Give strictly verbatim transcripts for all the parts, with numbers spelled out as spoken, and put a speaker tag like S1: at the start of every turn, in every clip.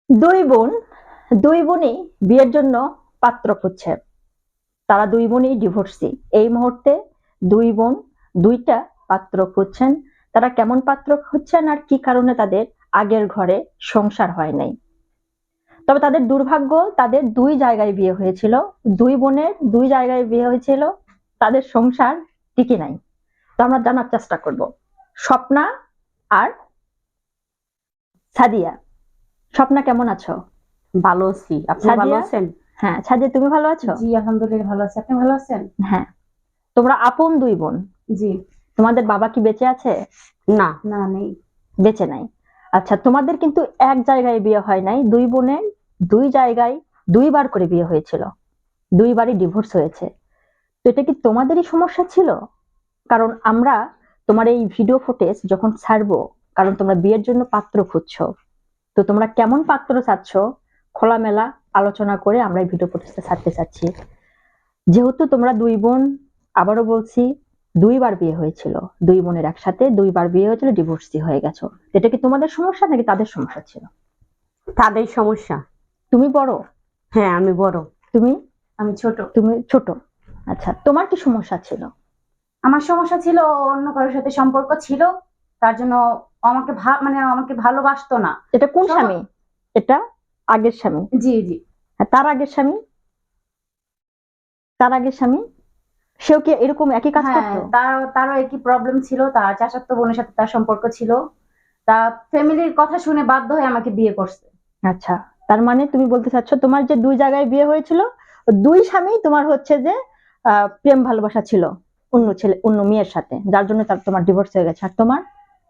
S1: দুই বোন দুই বোনই বিয়ের জন্য পাত্র খুঁজছে। তারা দুই বোনই ডিভোর্সি। এই মুহূর্তে দুই বোন দুইটা পাত্র খুঁজছেন। তারা কেমন পাত্র খুঁজছেন আর কি কারণে তাদের আগের ঘরে সংসার হয় নাই। তবে তাদের দুর্ভাগ্য, তাদের দুই জায়গায় বিয়ে হয়েছিল। দুই বোনের দুই জায়গায় বিয়ে হয়েছিল, তাদের সংসার টিকে নাই। তো আমরা জানার চেষ্টা করব স্বপ্না আর সাদিয়া। স্বপ্না কেমন আছো?
S2: ভালো আছি। আপনি ভালো
S1: সাদিয়া?
S2: আছেন?
S1: হ্যাঁ, সাদিয়া তুমি ভালো আছো?
S2: জি আলহামদুলিল্লাহ ভালো আছি। আপনি ভালো আছেন?
S1: হ্যাঁ। তোমরা আপন দুই বোন।
S2: জি।
S1: তোমাদের বাবা কি বেঁচে আছে?
S2: না না নেই।
S1: বেঁচে নাই। আচ্ছা, তোমাদের কিন্তু এক জায়গায় বিয়ে হয় নাই। দুই বোনের দুই জায়গায় দুইবার করে বিয়ে হয়েছিল। দুইবারই ডিভোর্স হয়েছে। তো এটা কি তোমাদেরই সমস্যা ছিল? কারণ আমরা তোমার এই ভিডিও ফুটেজ যখন ছাড়বো, কারণ তোমরা বিয়ের জন্য পাত্র খুঁজছো, তো তোমরা কেমন পাত্র চাচ্ছ খোলামেলা আলোচনা করে আমরা এই ভিডিও ফুটেজটা ছাড়তে চাচ্ছি। যেহেতু তোমরা দুই বোন, আবারও বলছি, দুইবার বিয়ে হয়েছিল, দুই বোনের একসাথে দুইবার বিয়ে হয়েছিল, ডিভোর্সি হয়ে গেছো। এটা কি তোমাদের সমস্যা নাকি তাদের সমস্যা ছিল?
S2: তাদের সমস্যা।
S1: তুমি বড়?
S2: হ্যাঁ আমি বড়।
S1: তুমি?
S2: আমি ছোট।
S1: তুমি ছোট। আচ্ছা, তোমার কি সমস্যা ছিল?
S3: আমার সমস্যা ছিল অন্য কারোর সাথে সম্পর্ক ছিল, তার জন্য আমাকে ভা- মানে আমাকে ভালোবাসতো না।
S1: এটা কোন
S3: সব-
S1: স্বামী? এটা আগের স্বামী?
S3: জি জি।
S1: আর তার আগের স্বামী? তার আগের স্বামী সেও কি এরকম একই কাজ
S3: হ্যাঁ,
S1: করতো?
S3: তার তারও একই প্রবলেম ছিল, তার চাচাতো বোনের সাথে তার সম্পর্ক ছিল। তা ফ্যামিলির কথা শুনে বাধ্য হয়ে আমাকে বিয়ে করছে।
S1: আচ্ছা, তার মানে তুমি বলতে চাচ্ছ তোমার যে দুই জায়গায় বিয়ে হয়েছিল, দুই স্বামী তোমার হচ্ছে যে আহ, প্রেম ভালোবাসা ছিল অন্য ছেলে অন্য মেয়ের সাথে, যার জন্য তার তোমার ডিভোর্স হয়ে গেছে। আর তোমার?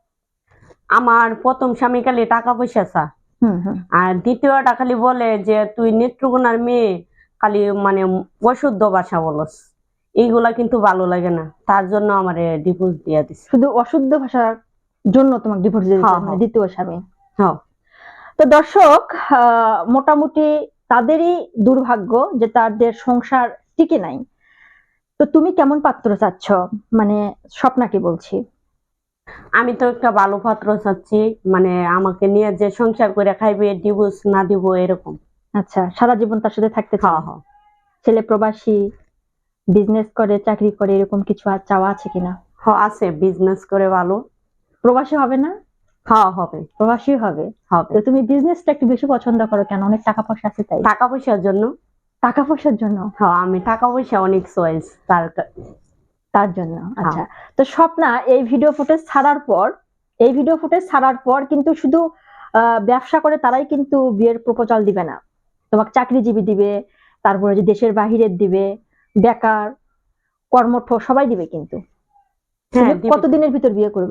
S2: আমার প্রথম স্বামী খালি টাকা পয়সা চা,
S1: হুম হুম।
S2: আর দ্বিতীয়টা খালি বলে যে তুই নেত্রকোনার মেয়ে, খালি মানে অশুদ্ধ ভাষা বলস। এইগুলা কিন্তু ভালো লাগে না, তার জন্য আমারে ডিভোর্স দিয়ে দিছে।
S1: শুধু অশুদ্ধ ভাষার জন্য তোমাকে ডিভোর্স দিয়ে দিয়েছে,
S2: হ্যাঁ,
S1: মানে
S2: হ্যাঁ।
S1: দ্বিতীয় স্বামী।
S2: হ্যাঁ।
S1: তো দর্শক, আহ, মোটামুটি তাদেরই দুর্ভাগ্য যে তাদের সংসার টিকে নাই। তো তুমি কেমন পাত্র চাচ্ছ? মানে স্বপ্নাকে বলছি।
S2: আমি তো একটা ভালো পাত্র চাচ্ছি, মানে আমাকে নিয়ে যে সংসার করে খাইবে, ডিভোর্স না দিব এরকম।
S1: আচ্ছা, সারা জীবন তার সাথে থাকতে চাও?
S2: হ্যাঁ হ্যাঁ।
S1: ছেলে প্রবাসী, বিজনেস করে, চাকরি করে, এরকম কিছু আর চাওয়া আছে কিনা?
S2: হ্যাঁ আছে, বিজনেস করে ভালো।
S1: প্রবাসী হবে না?
S2: হ্যাঁ হবে।
S1: প্রবাসী হবে।
S2: হবে।
S1: তো তুমি বিজনেসটা একটু বেশি পছন্দ করো কেন? অনেক টাকা পয়সা আছে তাই?
S2: টাকা পয়সার জন্য।
S1: টাকা পয়সার জন্য?
S2: হ্যাঁ আমি টাকা পয়সা অনেক চয়েস তার কা-
S1: তার জন্য? আচ্ছা।
S2: হ্যাঁ।
S1: তো স্বপ্না এই ভিডিও ফুটেজ ছাড়ার পর, এই ভিডিও ফুটেজ ছাড়ার পর কিন্তু শুধু আহ, ব্যবসা করে তারাই কিন্তু বিয়ের প্রপোজাল দিবে না। তোমাকে চাকরিজীবী দিবে, তারপরে যে দেশের বাহিরের দিবে, বেকার, কর্মঠ সবাই দিবে কিন্তু।
S2: হ্যাঁ
S1: তুমি
S2: দিবে।
S1: কতদিনের ভিতর বিয়ে করবে?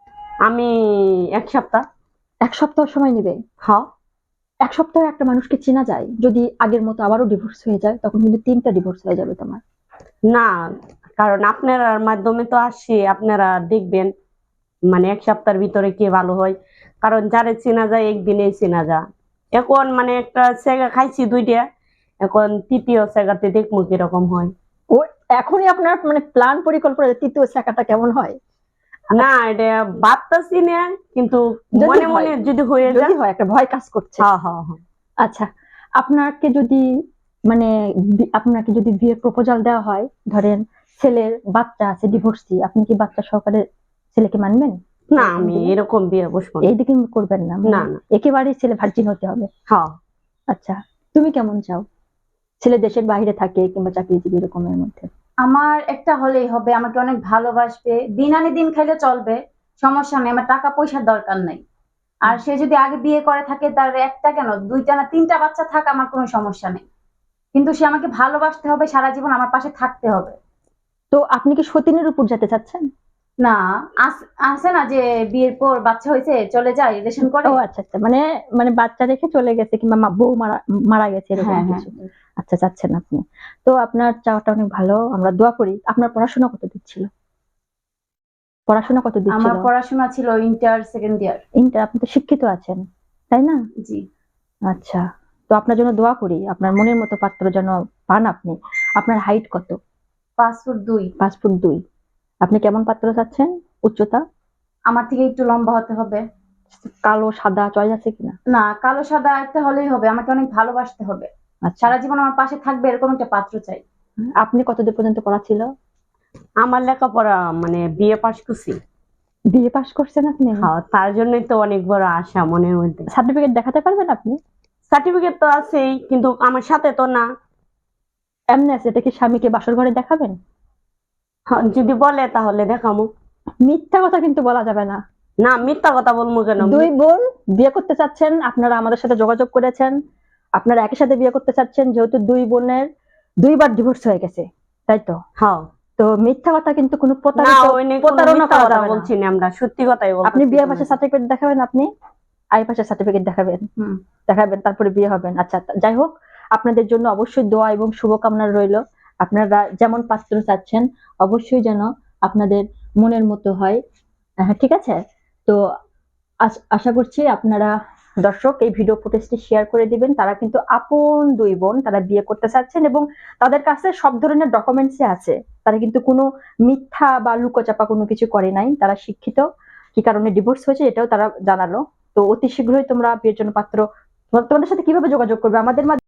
S2: আমি এক সপ্তাহ।
S1: এক সপ্তাহ সময় নেবে?
S2: হ্যাঁ।
S1: এক সপ্তাহে একটা মানুষকে চেনা যায়? যদি আগের মতো আবারও ডিভোর্স হয়ে যায় তখন কিন্তু তিনটা ডিভোর্স হয়ে যাবে তোমার।
S2: না, কারণ আপনার মাধ্যমে তো আসছি, আপনারা দেখবেন মানে এক সপ্তাহের ভিতরে কি ভালো হয়। কারণ যারে চেনা যায় একদিনেই চেনা যায়। এখন মানে একটা সেগা খাইছি দুইটা, এখন তৃতীয় সেগাতে দেখবো কিরকম হয়।
S1: ও, এখনই আপনার মানে প্ল্যান পরিকল্পনা যে তৃতীয় শাখাটা কেমন হয়?
S2: না এটা ভাবতাছি না, কিন্তু
S1: যদি
S2: মনে
S1: হয়,
S2: মনে যদি হয়ে
S1: যদি
S2: যায়।
S1: হয় একটা ভয় কাজ করছে।
S2: হ্যাঁ হ্যাঁ হ্যাঁ।
S1: আচ্ছা, আপনাকে যদি মানে বি- আপনাকে যদি বিয়ের প্রপোজাল দেওয়া হয়, ধরেন ছেলের বাচ্চা আছে ডিভোর্সি, আপনি কি বাচ্চা সহকারে ছেলেকে মানবেন?
S2: না আমি এরকম বিয়ে বসবো না।
S1: এইদিকে করবেন না? মানে
S2: না না।
S1: একেবারেই ছেলে ভার্জিন হতে হবে?
S2: হ্যাঁ।
S1: আচ্ছা, তুমি কেমন চাও? ছেলে দেশের বাইরে থাকে কিংবা চাকরিজীবী, এরকমের মধ্যে?
S3: আমার একটা হলেই হবে, আমাকে অনেক ভালোবাসবে, দিন আনে দিন খাইলে চলবে, সমস্যা নেই, আমার টাকা পয়সার দরকার নেই। আর সে যদি আগে বিয়ে করে থাকে, তার একটা কেন দুইটা না তিনটা বাচ্চা থাক, আমার কোনো সমস্যা নেই, কিন্তু সে আমাকে ভালোবাসতে হবে, সারা জীবন আমার পাশে থাকতে হবে।
S1: তো আপনি কি সতীনের উপর যেতে চাচ্ছেন?
S3: না, আস- আছে না যে বিয়ের পর বাচ্চা হয়েছে চলে যায় রিলেশন করে।
S1: ও আচ্ছা আচ্ছা, মানে মানে বাচ্চা রেখে চলে গেছে কিংবা মা- বউ মারা মারা গেছে এরকম
S3: হ্যাঁ হ্যাঁ।
S1: কিছু? আচ্ছা, চাচ্ছেন আপনি। তো আপনার চাওয়াটা অনেক ভালো, আমরা দোয়া করি। আপনার পড়াশোনা কত দিচ্ছিল? পড়াশোনা কত
S3: আমার
S1: দিচ্ছিল?
S3: পড়াশোনা ছিল ইন্টার সেকেন্ড ইয়ার।
S1: ইন্টার? আপনি তো শিক্ষিত আছেন, তাই না?
S3: জি।
S1: আচ্ছা, তো আপনার জন্য দোয়া করি, আপনার মনের মতো পাত্র যেন পান আপনি। আপনার হাইট কত?
S3: পাঁচ ফুট দুই।
S1: পাঁচ ফুট দুই। আপনি কেমন পাত্র চাচ্ছেন? উচ্চতা?
S3: আমার থেকে একটু লম্বা হতে হবে।
S1: কালো সাদা চয়েস আছে কিনা?
S3: না, কালো সাদা একটা হলেই হবে, আমাকে অনেক ভালোবাসতে হবে,
S1: আচ্ছা,
S3: সারা জীবন আমার পাশে থাকবে এরকম একটা পাত্র চাই।
S1: আপনি কতদূর পর্যন্ত পড়া ছিল?
S2: আমার লেখাপড়া মানে বিয়ে পাশ করছি।
S1: বিয়ে পাশ করছেন আপনি?
S2: হ্যাঁ, তার জন্যই তো অনেক বড় আশা মনের মধ্যে।
S1: সার্টিফিকেট দেখাতে পারবেন আপনি?
S2: সার্টিফিকেট তো আছেই, কিন্তু আমার সাথে তো না।
S1: এমনি আছে, এটা কি স্বামীকে বাসর ঘরে দেখাবেন?
S2: হ্যাঁ, যদি বলে তাহলে দেখামু।
S1: মিথ্যা কথা কিন্তু বলা যাবে না।
S2: না, মিথ্যা কথা বলবো কেন?
S1: দুই বোন বিয়ে করতে চাচ্ছেন, আপনারা আমাদের সাথে যোগাযোগ করেছেন, আপনারা একই সাথে বিয়ে করতে চাচ্ছেন, যেহেতু দুই বোনের দুইবার ডিভোর্স হয়ে গেছে, তাই তো?
S2: হ্যাঁ।
S1: তো মিথ্যা কথা কিন্তু কোনো
S2: না,
S1: প্রতারিত
S2: ওই নিয়ে কোনো
S1: প্রতারণা
S2: মিথ্যা
S1: করা
S2: কথা
S1: যাবে না।
S2: বলছি না, আমরা সত্যি কথাই বলছি।
S1: আপনি বিয়ে পাশে সার্টিফিকেট দেখাবেন, আপনি আই পাশে সার্টিফিকেট দেখাবেন,
S3: হুম।
S1: দেখাবেন, তারপরে বিয়ে হবেন। আচ্ছা, তা- যাই হোক, আপনাদের জন্য অবশ্যই দোয়া এবং শুভকামনা রইল। আপনারা যেমন পাত্র চাচ্ছেন অবশ্যই যেন আপনাদের মনের মতো হয়। হ্যাঁ, ঠিক আছে। তো আশ- আশা করছি আপনারা দর্শক এই ভিডিও ফুটেজটি শেয়ার করে দিবেন। তারা কিন্তু আপন দুই বোন, তারা বিয়ে করতে চাচ্ছেন এবং তাদের কাছে সব ধরনের ডকুমেন্টসই আছে। তারা কিন্তু কোনো মিথ্যা বা লুকোচাপা কোনো কিছু করে নাই। তারা শিক্ষিত, কি কারণে ডিভোর্স হয়েছে এটাও তারা জানালো। তো অতি শীঘ্রই তোমরা বিয়ের জন্য পাত্র, তোমাদের সাথে কিভাবে যোগাযোগ করবে? আমাদের মাধ্যমে